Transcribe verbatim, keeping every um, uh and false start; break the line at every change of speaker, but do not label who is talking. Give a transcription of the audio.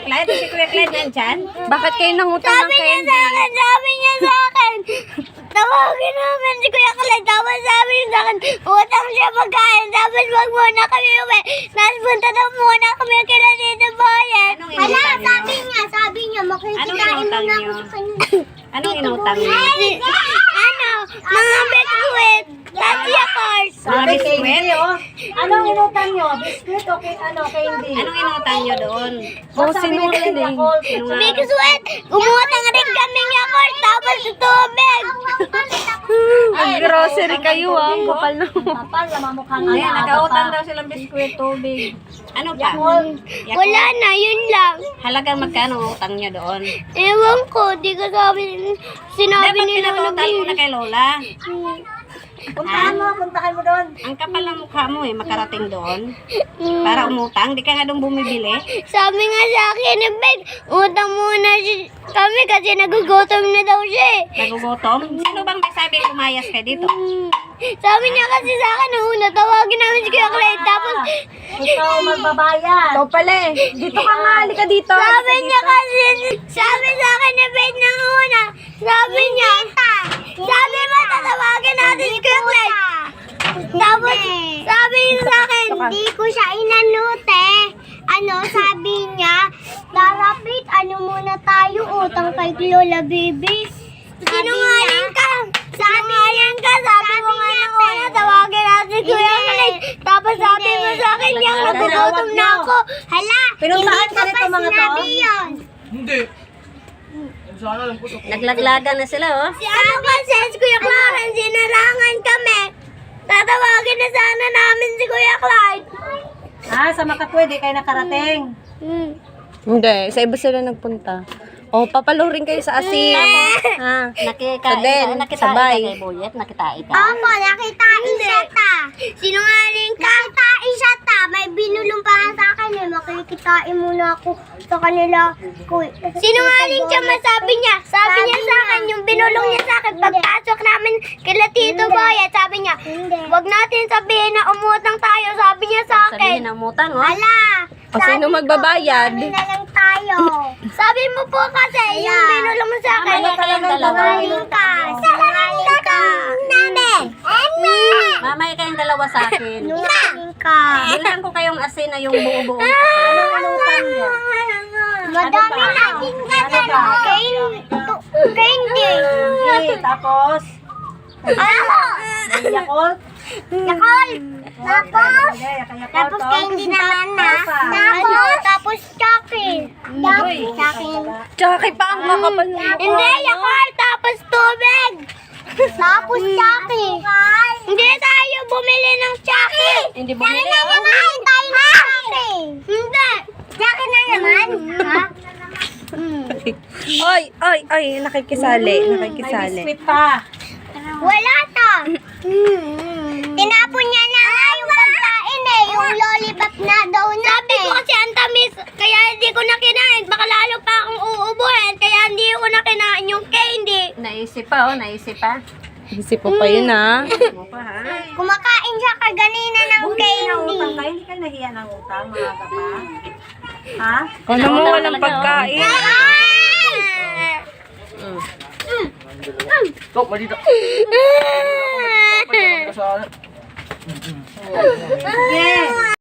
Clyde? Si Kuya Clyde nandyan?
Bakit kayo nangutang ng
Sabi niya
candy?
sa akin, sabi niya sa akin. Tawagin namin si Kuya Kalay. Tapos sabi niya sa akin, utang siya magkain. Tapos wag muna kami uwi. Tapos punta daw muna kami kila dito bayan.
Anong inutang niyo?
sabi niya, sabi niya,
Anong
makikitain
inutang
muna
niyo?
ako sa kanya.
Anong inutang niyo?
Ano? Mga biskuit. Tapos yakars.
Mga biskwit?
Anong inutang nyo? Biscuit o kay, ano, candy?
Anong inutang niyo doon?
Oh, sinungaling.
Sinungaling.
Biskuit. Umutang rin kami yakars. Tapos tubig.
Ang grocery kayo ah. Ang kapal na.
Kapal, namamukha nga.
Ayan, nag-utang daw silang biskwit, tubig. Ano pa? Yakult.
Wala na, yun lang.
Halagang magkano ang utang niyo doon?
Ewan ko, di ko sabi, sinabi
Dapat
nila na
pinatutang mo na kay Lola.
Puntahan mo, puntahan mo doon.
Ang kapal ng mukha mo eh, makarating doon. Para umutang, di ka nga doon bumibili.
Sabi nga sa akin, eh, Beg, utang muna si kami kasi nagugutom na daw siya eh.
Nagugutom? Sino bang may sabi umayas ka dito?
Hmm. Sabi niya kasi sa akin, nung una, tawagin namin si Kuya Clay, tapos
Ikaw magbabayad.
Ikaw pala eh. Dito ka nga. Halika dito.
sabi niya kasi, sabi sa akin ni Beg nang una, sabi niya, sabi mo, tatawagin natin si Kuya Clay. Tapos, sabi niya sa akin, di ko siya inanute. Ano, sabi niya, Larapit, ano muna tayo, utang kay Lola Bibi. Sinungaling ka. Sinungaling ka. Sabi mo nga nang una, tawagin natin si Kuya Clay. Tapos sabi mo sa akin, yung nagugutom na ako. Hala,
Pinuntahan ka nito mga to?
yun.
Hindi. Sana lang po sa
Naglaglagan na sila oh.
Si ano kasi, si Kuya Clarence, sinarangan kami. Tatawagin na sana namin si Kuya Clyde.
Ah, sa Makatwid, di kayo nakarating.
Hmm.
Hindi. Sa iba sila nagpunta. Oh, papalurin kayo sa asin. Ha?
Nakika,
Sabihin,
nakita
sabay.
ka kay Boyet, nakita ka.
Opo, nakitain siya ta. Sinungaling ka. Nakitain siya ta. May binulong pa nga sa akin eh. Makikitain muna ako sa kanila. Kuy. Sinungaling siya, masabi niya. Sabi niya sa akin, yung binulong niya sa akin, pagpasok namin kila Tito Boyet, sabi niya, wag natin sabihin na umutang tayo. Sabi niya sa
Sabihin
akin.
na umutang oh.
Hala!
O sino magbabayad?
Sabi na lang tayo. Sabi mo po kasi, yung binulong mo sa akin.
Mamaya kayong dalawa.
Sinungaling ka. Sinungaling ka. Namin.
Mamaya kayong dalawa sa akin.
Sinungaling ka.
Bilang ko kayong asin na yung buo-buo.
Anong inutang nyo?
Madami natin kasi. Candy.
Okay, tapos,
Ano?
may Yakult.
Yakol. Tapos?
Hindi, kaya
Tapos
to.
candy naman na.
Ano pa?
Tapos? Tapos chocolate.
Uy.
Chocolate.
Tsaka pa ang kakapal na.
Hindi, yakol. Tapos tubig. Tapos chocolate. Hindi tayo bumili ng chocolate.
Hindi bumili oh.
Kumain tayo ng chocolate. Hindi. Chocolate na naman. Ha?
Oy, oy, oy. Nakikisali.
May
Nakikisali.
biscuit pa.
Wala to. Tinapon niya na nga yung pagkain eh. Yung lollipop na daw na. Sabi ko kasi ang tamis, kaya hindi ko na kinain. Baka lalo pa akong uubuhin, kaya hindi ko na kinain yung candy.
Naisip pa oh, naisip pa.
Isip mo pa yun ah.
Mo pa ha.
Kumakain siya kaganina ng
Kung
candy.
utang kayo, hindi kayo nahiya ng utang, mga kapa. Ha?
Ano mo walang pagkain?
Tok, malita.
Ah!
Sa
Yes.